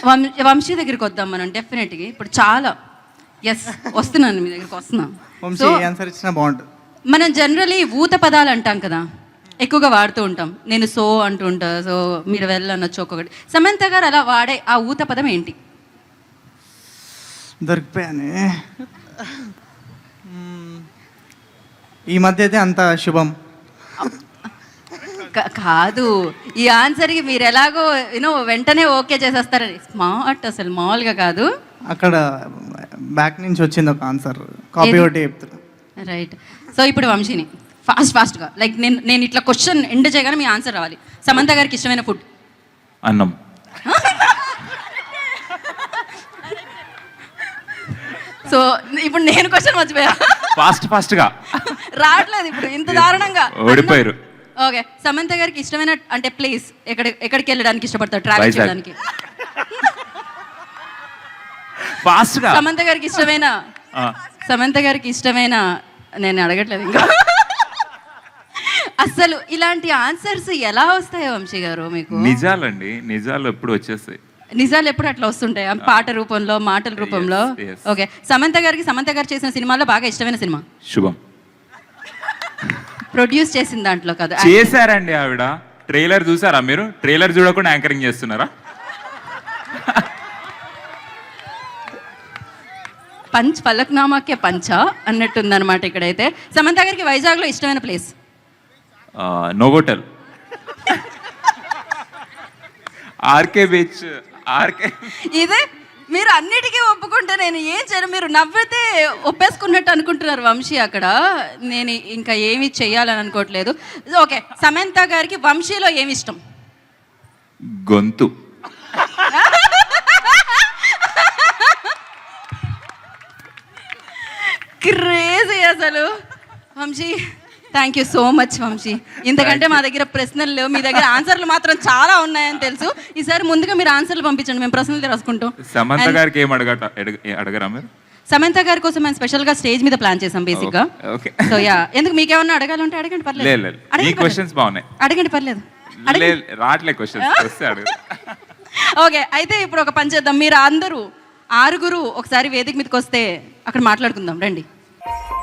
వంశీ దగ్గరికి వద్దాం మనం డెఫినెట్గా. ఇప్పుడు చాలా వస్తున్నాను మీ దగ్గరికి వస్తున్నాం. వంశీ ఆన్సర్ ఇచ్చినా బాగుంటుంది. మనం జనరలీ ఊత పదాలు అంటాం కదా, ఎక్కువగా వాడుతూ ఉంటాం. నేను సో అంటూ ఉంటా, సో మీరు వెళ్ళనొచ్చు ఒక్కొక్కటి. సమంత గారు అలా వాడే ఆ ఊత పదం ఏంటి? దొరికిపోయానే. ఈ మధ్య అయితే అంత శుభం కాదు. ఈ ఆన్సర్కి మీరు ఎలాగో వెంటనే ఓకే చేసేస్తారని స్మార్ట్, అసలు మామూలుగా కాదు. అక్కడ బ్యాక్ నుంచి వచ్చింది ఒక ఆన్సర్, కాపీ ఒకటి చెప్తారు. రైట్. సో ఇప్పుడు వంశీని ఫాస్ట్గా లైక్ నేను ఇట్లా క్వశ్చన్ ఎండ్ చేయగానే మీ ఆన్సర్ రావాలి. సమంత గారికి ఇష్టమైన ఫుడ్? అన్నం. సో ఇప్పుడు నేను క్వశ్చన్ మర్చిపోయా. ఫాస్ట్గా రావట్లేదు ఇప్పుడు ఇంత దారుణంగా. ఓడిపోయారు. ఓకే. సమంత గారికి ఇష్టమైన అంటే ప్లేస్ ఎక్కడికి వెళ్ళడానికి ఇష్టపడతారు ట్రావెల్ చేయడానికి? ఫాస్ట్గా. సమంత గారికి ఇష్టమైన నేను అడగట్లేదు ఇంకా. అసలు ఇలాంటి ఆన్సర్స్ ఎలా వస్తాయో వంశీ గారు మీకు? నిజాలండి, నిజాలు ఎప్పుడు వచ్చేస్తాయి. నిజాలు ఎప్పుడు అట్లా వస్తుంటాయి పాట రూపంలో, మాటల రూపంలో. ఓకే. సమంత గారు చేసిన సినిమాలో బాగా ఇష్టమైన సినిమా? శుభం. ప్రొడ్యూస్ చేసిన దాంట్లో కదా చేశారండి ఆవిడ. ట్రైలర్ చూసారా మీరు? ట్రైలర్ చూడకుండా యాంకరింగ్ చేస్తున్నారా? ఫలక్నామాకే పంచ అన్నట్టుందన్నమాట ఇక్కడైతే. సమంత గారికి వైజాగ్లో ఇష్టమైన ప్లేస్? Novotel, RK beach. ఇదే మీరు అన్నిటికీ ఒప్పుకుంటే నేను ఏం చేయను. మీరు నవ్వితే ఒప్పేసుకున్నట్టు అనుకుంటున్నారు వంశీ అక్కడ. నేను ఇంకా ఏమి చెయ్యాలని అనుకోవట్లేదు. ఓకే. సమంత గారికి వంశీలో ఏమి ఇష్టం? గొంతు. క్రేజీ అసలు. Vamshi thank you so much Vamshi. ఇంతకంటే మా దగ్గర ప్రశ్నలు లేవు, మీ దగ్గర ఆన్సర్లు మాత్రం చాలా ఉన్నాయని తెలుసు. ఈసారి ముందుగా మీరు ఆన్సర్లు పంపించండి, మేము ప్రశ్నలు రాసుకుంటాం. సమంత గారికి ఏం అడగరా మీరు? సమంత గారి కోసం మేము స్పెషల్ గా స్టేజ్ మీద ప్లాన్ చేసాం బేసిక్ గా. సో యా, ఎందుకు మీకేమన్నా అడగాలంటే అడగండి, పర్లేదు. అడగండి, పర్లేదు. ఓకే. అయితే ఇప్పుడు ఒక పని చేద్దాం. మీరు అందరూ 6 ఒకసారి వేదిక మీదకి వస్తే అక్కడ మాట్లాడుకుందాం, రండి.